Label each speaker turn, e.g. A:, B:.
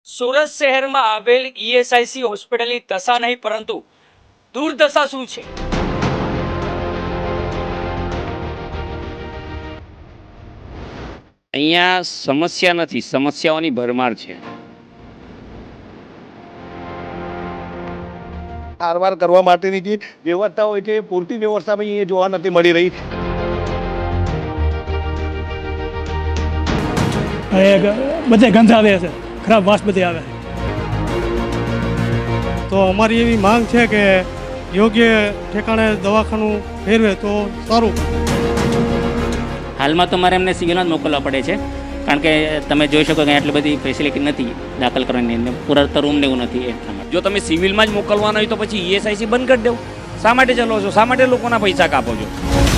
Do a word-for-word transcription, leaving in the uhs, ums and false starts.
A: સુરત શહેરમાં આવેલ ઈએસઆઈસી હોસ્પિટલની દશા નહીં પરંતુ દુર્દશા શું છે?
B: અહીંયા સમસ્યા નથી, સમસ્યાઓની ભરમાર છે.
C: સારવાર કરવા માટેની જે વ્યવસ્થા હોય છે એ પૂરતી વ્યવસ્થા પણ એ જોવા નથી મળી રહી.
D: બધે ગંધ આવે છે, ખરાબ વાસ બધે આવે છે.
E: તો અમારી એવી માંગ છે કે યોગ્ય ઠેકાણે દવાખાનું ફેરવે તો સારું.
F: હાલમાં તો મારે એમને સિવિલમાં જ મોકલવા પડે છે, કારણ કે તમે જોઈ શકો કે આટલી બધી ફેસિલિટી નથી દાખલ કરવાની, અંદર પૂરતા રૂમ ને એવું નથી. એટલા માટે
B: જો તમે સિવિલમાં જ મોકલવાના હોય તો પછી ઈએસઆઈસી બંધ કરી દેવું. શા માટે ચલો છો? શા માટે લોકોના પૈસા કાપો છો?